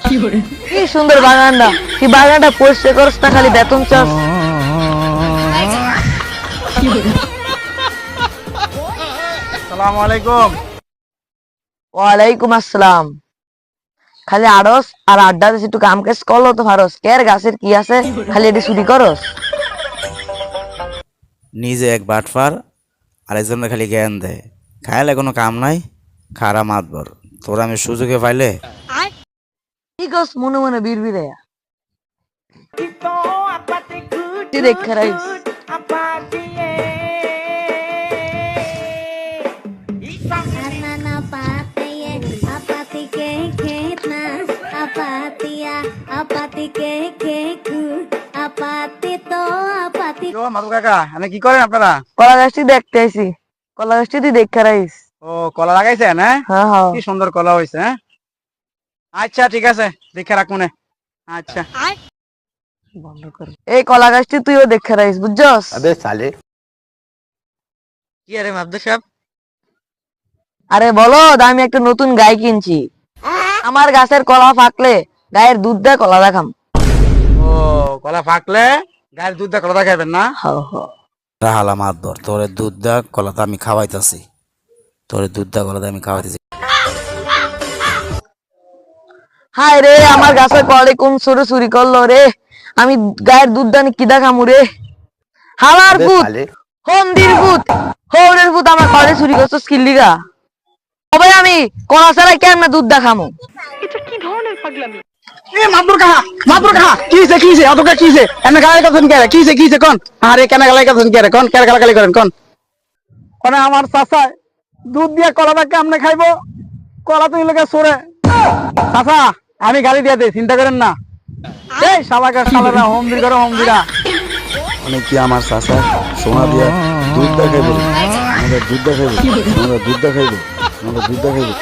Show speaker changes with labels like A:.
A: কি সুন্দর বাগানটা, কি বাগানটা পরিষ্কার করছ না, খালি বেতন চাস।
B: আসসালামু আলাইকুম।
A: ওয়ালাইকুম আসসালাম। খালি আড়স আর আড্ডা দিস, একটু কাম কাজ করলো তো পারস। কের গাছের কি আছে, খালি এটি চুরি করস।
C: নিজে এক বাটফার, আরেকজনের খালি জ্ঞান দেয়। খাইলে কোনো কাম নাই, খারা মাতবর। তোরা আমি সুযোগে পাইলে
A: কি কস মনে মনে বিড়বিড়ে দেখে রাইস।
B: মাদু কাকা, মানে কি করেন আপনারা?
A: কলা গাছটি দেখতে আইছি, কলা গাছটি তুই দেখে রাইস।
B: ও, কলা লাগাইছেন? হ্যাঁ,
A: হ্যাঁ হ্যাঁ।
B: কি সুন্দর কলা হয়েছে। হ্যাঁ, আচ্ছা ঠিক আছে, দেখে রাখ মনে। আচ্ছা,
A: বন্ধ কর। এই কলা গাছটি তুইও দেখে রাইস, বুঝছস?
B: কি আরে মাদু সাহেব?
A: আরে বলো, আমি একটা নতুন গাই কিনছি। আমার গাছের কলা পাকলে গায়ের দুধ দিয়ে কলা দেখাম।
B: ও, কলা পাকলে গায়ের দুধ দিয়ে কলা খাইবেন না?
A: হাও হাও।
C: রাহালা মাতবর। তোরে দুধ দা কলাতে আমি খাওয়াইতাছি, তোরে দুধ দা কলাতে আমি খাওয়াইতেছি।
A: হায় রে, আমার গাছের কলে কোন চোরে চুরি করলো রে। আমি গায়ের দুধ দানি কি দেখামু রে। হালার পুত, হন্দির পুত, হৌরের পুত, আমার কলে চুরি করছস কি লিগা? তবে আমি কলা ছাড়াই কেমনে দুধ দেখামু?
B: এ মাদুর কাহা, মাদুর কাহা, কিছে কিছে অতকা কিছে? এনে গালাই কাছেন কে? কিছে কিছে কোন? আরে কেন গালাই কাছেন কে? কোন কেন গালাগালি করেন কোন? কোনে আমার চাচা দুধ দিয়ে কলাটা কেমনে খাইবো? কলা তো ইলোকে সরে। চাচা, আমি গালি দিয়ে দেই, চিন্তা করেন না। এই শালাকা শালারা হোমদির করে হোমদিরা।
D: অনেক কি আমার চাচা সোনা দিয়া দুধ দেখাইব, আমাদের দুধ দেখাইব, আমাদের দুধ দেখাইব, আমাদের দুধ দেখাইব।